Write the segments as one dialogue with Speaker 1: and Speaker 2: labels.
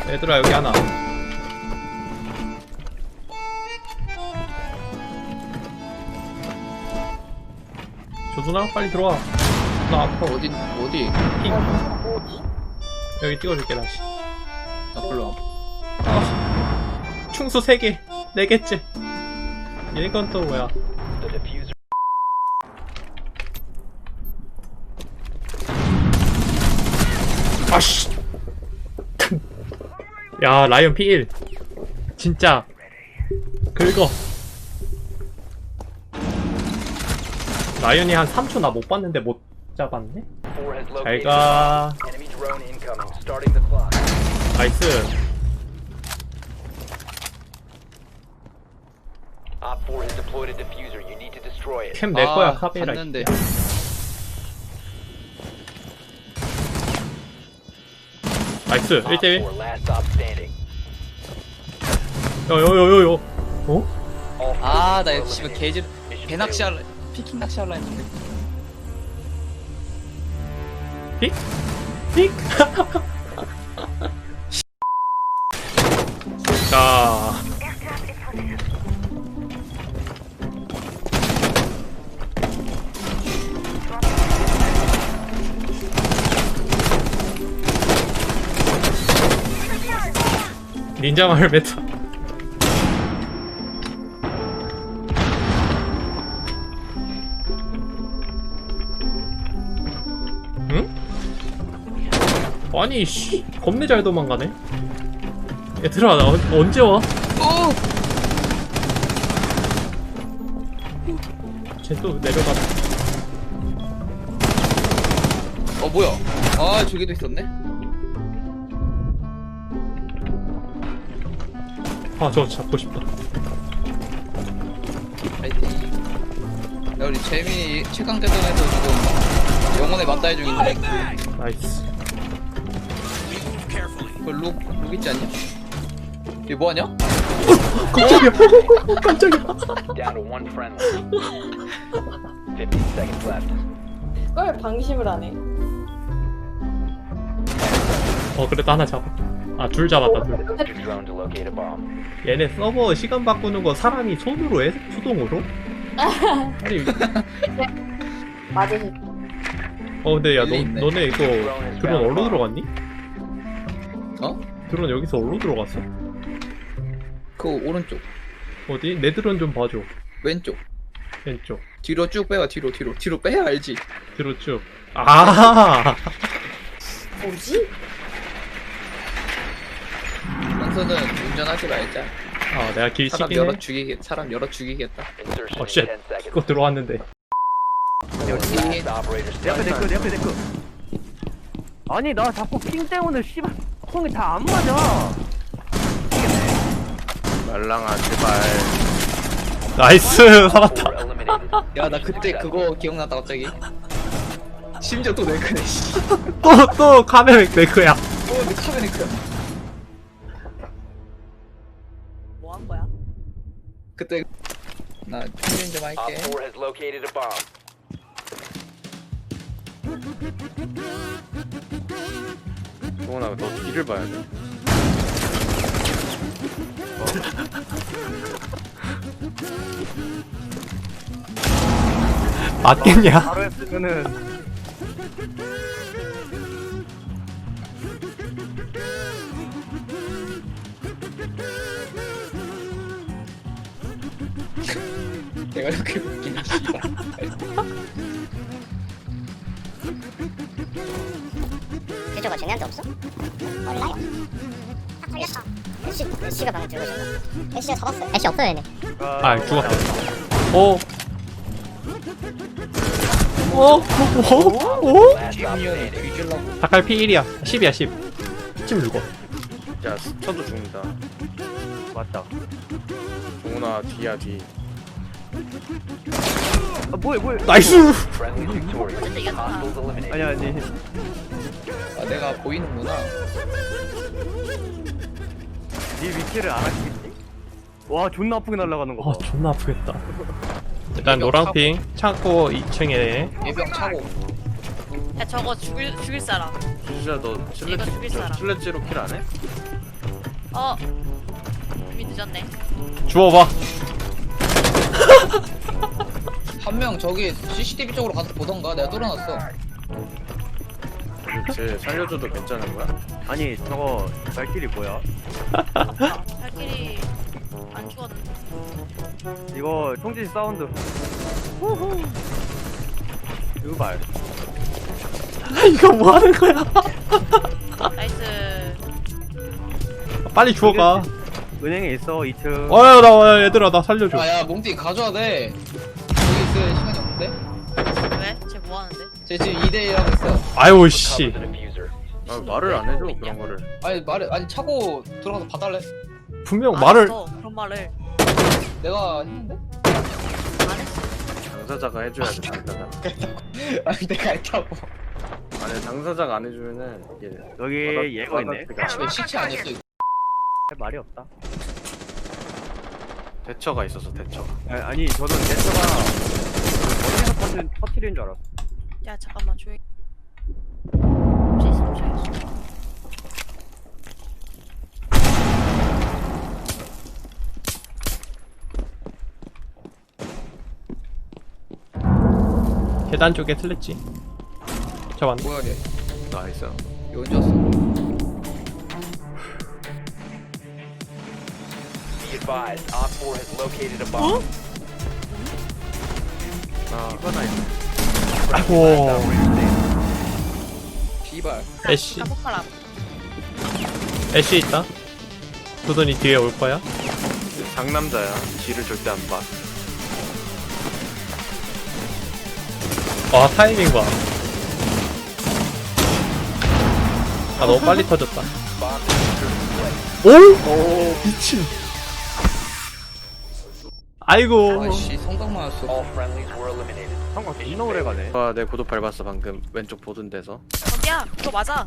Speaker 1: 얘들아 여기 하나. 조준아 빨리 들어와. 나 아파.
Speaker 2: 어디?
Speaker 1: 핑. 여기 찍어줄게 다시.
Speaker 2: 나 불러.
Speaker 1: 아, 충수 3개 4개째. 얘건 또 뭐야? 아씨. 야 라이언 P1 진짜 긁어. 라이언이 한 3초 나 못 봤는데 못 잡았네? 잘가. 나이스. 캠 내거야 카베라.
Speaker 2: 봤는데.
Speaker 1: 나이스 1대1. 여여여여여. 어?
Speaker 2: 아, 나 씨발 개질 배낚시 할래. 피킹 낚시 할라 했는데.
Speaker 1: 픽? 픽? 자 닌자 마을 메타. 응? 아니 씨 겁내 잘 도망가네. 얘들아 나 언제 와? 쟤 또 내려가.
Speaker 2: 뭐야? 아, 저기도 있었네.
Speaker 1: 아 저거 잡고 싶다.
Speaker 2: 파이팅. 야, 우리 재민이 최강대전에서 지금 영혼의 맞다이 중인데.
Speaker 1: 나이스.
Speaker 2: 그 룩 있지 않냐? 얘 뭐하냐?
Speaker 1: 깜짝이야. 깜짝이야.
Speaker 3: 그걸 방심을 안 해.
Speaker 1: 그래도 하나 잡아. 아 둘 잡았다 둘. 얘네 서버 시간 바꾸는 거 사람이 손으로 해? 수동으로? 아니
Speaker 3: 맞으실.
Speaker 1: 근데 야
Speaker 2: 일리 있네.
Speaker 1: 너네 이거 드론 어디로 들어갔니?
Speaker 2: 어?
Speaker 1: 드론 여기서 어디로 들어갔어?
Speaker 2: 그 오른쪽,
Speaker 1: 어디? 내 드론 좀 봐줘.
Speaker 2: 왼쪽,
Speaker 1: 왼쪽.
Speaker 2: 뒤로 쭉 빼봐. 뒤로 빼야 알지.
Speaker 1: 뒤로 쭉. 아.
Speaker 3: 뭐지?
Speaker 2: 강서는 운전하지 말자.
Speaker 1: 내가 길
Speaker 2: 사람
Speaker 1: 치긴 해.
Speaker 2: 사람 열어 죽이겠다.
Speaker 1: 쉣. 이거 들어왔는데.
Speaker 2: 여기
Speaker 4: 내 앞에 데크. 아니 나 자꾸 핑 때문에 씨발 콩이 다 안 맞아.
Speaker 5: 말랑아 제발.
Speaker 1: 나이스. 살았다.
Speaker 2: 야, 나 그때 그거 기억났다 갑자기. 심지어 또 네크네.
Speaker 1: 또 카메라 메이크야.
Speaker 2: 내 카메라 네크야.
Speaker 3: 뭐 한 거야?
Speaker 2: 그때 나 충전 좀 할게.
Speaker 5: 동원아 너 뒤를 봐야 돼.
Speaker 1: 맞겠냐?
Speaker 4: 바로 했으면은
Speaker 2: 내가 이렇게 웃기네 씨발.
Speaker 6: 대저가 쟤네한테 없어? 몰라요. 딱 걸렸어. 애쉬가 방금 들고 있었나? 애쉬가 잡았어요. 애쉬 없어요 얘네.
Speaker 1: 죽었다. 오?
Speaker 2: 지미언이 뒤질라고.
Speaker 1: 닭갈 P1이야. 10이야 10. 찜 누구?
Speaker 5: 야 스쳐도 죽는다.
Speaker 4: 맞다.
Speaker 5: 동원아 뒤야 뒤.
Speaker 4: 아 뭐야.
Speaker 1: 나이스.
Speaker 4: 아니.
Speaker 2: 아, 내가 보이는구나.
Speaker 4: 네 위치를 알아주겠지? 와 존나 아프게 날아가는 거 봐.
Speaker 1: 존나 아프겠다. 일단 노랑핑 창고 2층에
Speaker 2: 예병 차고.
Speaker 7: 야 저거 죽일 사람.
Speaker 5: 진짜 너
Speaker 7: 이거 죽일 사람.
Speaker 5: 칠레찌로 킬 안 해?
Speaker 7: 이미 늦었네.
Speaker 1: 주워봐.
Speaker 2: 한 명 저기 CCTV 쪽으로 가서 보던가. 내가 뚫어놨어.
Speaker 5: 쟤 살려줘도 괜찮은 거야?
Speaker 4: 아니 저거 발길이 뭐야?
Speaker 7: 발길이 안 죽었는데.
Speaker 4: 이거 총질 사운드. 후후. 이거 말.
Speaker 1: 이거 뭐 하는 거야?
Speaker 7: 나이스.
Speaker 1: 빨리 주워가.
Speaker 4: 은행에 있어 2층.
Speaker 1: 나 얘들아 나 살려줘.
Speaker 2: 야 몽띠 가져야 돼. 여기 있을 시간이 없는데?
Speaker 7: 왜? 쟤 뭐 하는데?
Speaker 2: 쟤 지금 2대1 하고 있어.
Speaker 1: 아유 씨.
Speaker 5: 아, 말을 안 해줘 그런 거를.
Speaker 2: 아니 차고 들어가서 봐달래.
Speaker 1: 분명
Speaker 7: 안
Speaker 1: 말을
Speaker 7: 했어, 그런 말을
Speaker 2: 내가 했는데?
Speaker 7: 안 했어.
Speaker 5: 당사자가 해줘야 돼. 당사자.
Speaker 2: 아니 내가 했다고.
Speaker 5: 아니 당사자가 안 해주면은 이게
Speaker 4: 여기 얘가 있네.
Speaker 2: 왜 시체 아니었어 이거?
Speaker 4: 할 말이 없다.
Speaker 5: 대처가 있어서 대처.
Speaker 4: 아니 저는 대처가 어디서 터트리는 줄 알았어.
Speaker 7: 야 잠깐만 조용히. 혹시 있으면 조용히.
Speaker 1: 계단 쪽에 틀렸지. 잡았네.
Speaker 2: 뭐야 얘?
Speaker 5: 나이스.
Speaker 2: 얘 언제 왔어?
Speaker 4: 이거나 있네.
Speaker 1: 아이고.
Speaker 2: 비발.
Speaker 1: 애쉬.
Speaker 7: 까먹가라.
Speaker 1: 애쉬 있다. 두돈이 뒤에 올 거야.
Speaker 5: 상남자야. 뒤를 절대 안 봐.
Speaker 1: 와 타이밍 봐. 아 너무 빨리 터졌다. 오? 미친. 아이고.
Speaker 2: 아이씨 성당 맞았어.
Speaker 4: 상관 존나 오래 가네.
Speaker 5: 아, 내 고도 밟았어 방금 왼쪽 보던 데서.
Speaker 7: 야 그거 맞아.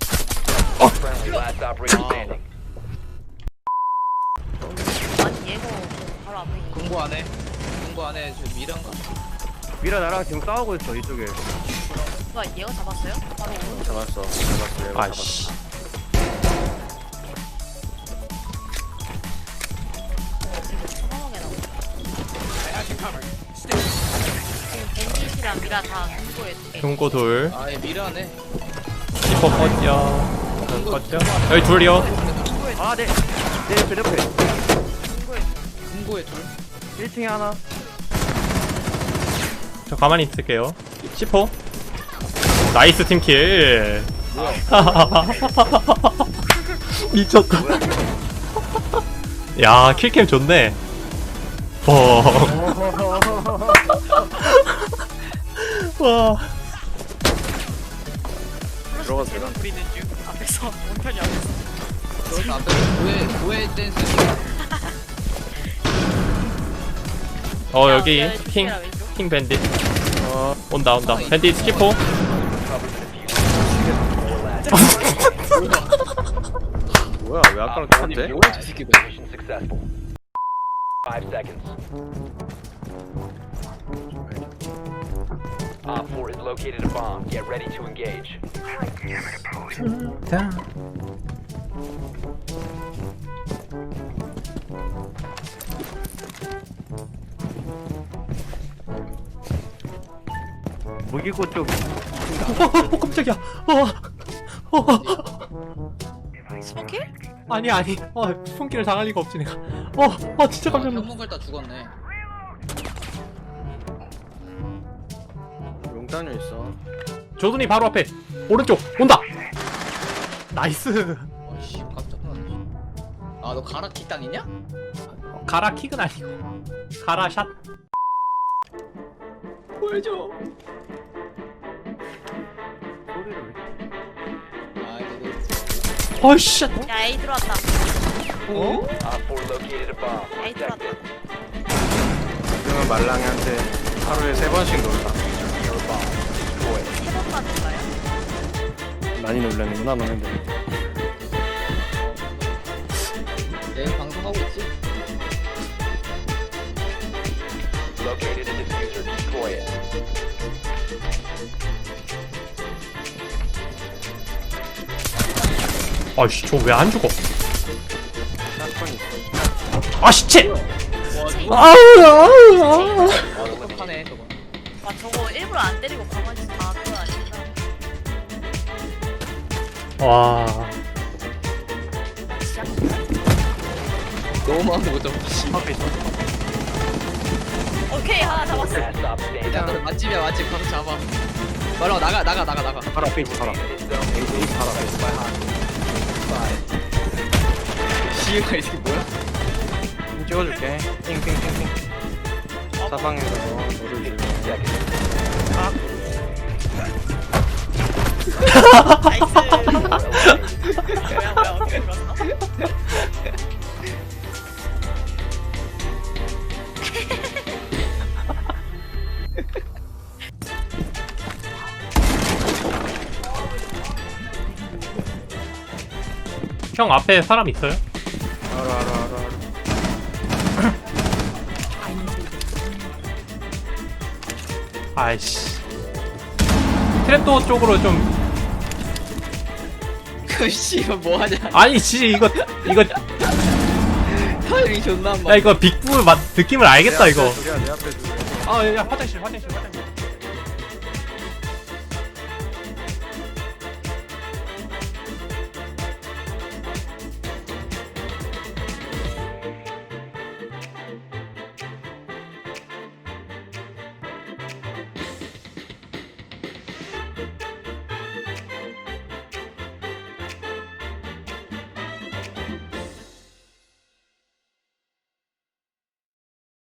Speaker 7: 아니 얘가 바로 앞에 있는.
Speaker 2: 공부 안 해. 공부 안 해. 저 미란가?
Speaker 4: 미라 나랑 지금 싸우고 있어 이쪽에.
Speaker 7: 누가 얘가 잡았어요? 바로 오른.
Speaker 5: 잡았어. 얘가
Speaker 1: 아이씨.
Speaker 7: 지금 처방하게 나오네. 지금 벤짓이랑 미라 다 공고에 두 개.
Speaker 1: 금고 둘.
Speaker 2: 아얘 미라네.
Speaker 1: 시퍼 꺼져. 꺼져. 여기 둘이요.
Speaker 4: 아 네. 네 옆에 옆에.
Speaker 2: 금고에 둘.
Speaker 4: 1층에 하나.
Speaker 1: 저 가만히 있을게요. 시퍼. 나이스 팀킬. 미쳤다. 야 킬캠 좋네. 와.
Speaker 5: 들어가도 되나?
Speaker 7: 부리는 중 앞에서 원편이 안 됐어.
Speaker 2: 저기서 앞에 도에 댄스.
Speaker 1: 여기
Speaker 7: 야,
Speaker 1: 킹
Speaker 7: 조심해라, 왼쪽.
Speaker 1: 킹 밴딧. 온다. 밴딧 스키퍼.
Speaker 5: 뭐야 왜 아까랑 똑같아?
Speaker 2: 뭐야 저 새끼들.
Speaker 4: 무기고 쪽.
Speaker 1: 깜짝이야.
Speaker 7: 스모킬?
Speaker 1: 아니. 손길을 당할 리가 없지 내가. 진짜 깜짝 놀랐어.
Speaker 2: 현문 걸다 죽었네.
Speaker 5: 용단유 있어.
Speaker 1: 조준이 바로 앞에. 오른쪽 온다. 나이스.
Speaker 2: 아씨 깜짝 놀랐네. 아너 가라 킥당 있냐?
Speaker 1: 가라 킥은 아니고 가라 샷. 보여줘.
Speaker 4: 소리를.
Speaker 2: 아 이거
Speaker 1: 어이씨.
Speaker 7: 야 A 들어왔다.
Speaker 1: 어?
Speaker 7: A 들어왔다.
Speaker 5: 지금은 말랑이한테 하루에 3번씩 놀라.
Speaker 7: 세 번만 놀라요?
Speaker 5: 많이 놀라는구나 너네들.
Speaker 2: 내일 방송하고 있지?
Speaker 1: 아이씨 저 왜 안 죽어?
Speaker 5: 샷건이 있어.
Speaker 1: 아 시체.
Speaker 2: 똑똑하네 저거.
Speaker 7: 아 저거 일부러 안 때리고 가만히 다 그건 아닌가.
Speaker 1: 와.
Speaker 2: 너무 많은 거죠.
Speaker 5: 앞에 있어.
Speaker 7: 오케이 하나 잡았어.
Speaker 2: 야, 맛집이야 맛집 가서 잡아. 말로 나가.
Speaker 5: 바로 앞에 있어, 바로 앞에. 에이스 바로 앞에 있어.
Speaker 2: 시유가 이게 뭐야?
Speaker 5: 핑 찍어줄게. 핑. 사방에서 너를 줄.
Speaker 7: 나이스. 뭐야 어떻게 들었어?
Speaker 1: 형 앞에 사람 있어요?
Speaker 5: 알아.
Speaker 1: 아이씨. 트랩도어 쪽으로 좀.
Speaker 2: 그 씨가 뭐 하냐?
Speaker 1: 아니 이거
Speaker 2: 타이밍 존나 안
Speaker 1: 야
Speaker 2: 맞.
Speaker 1: 이거 빅부 맛 느낌을 알겠다 이거.
Speaker 5: 내 앞에 둘이야.
Speaker 1: 아 야 화장실.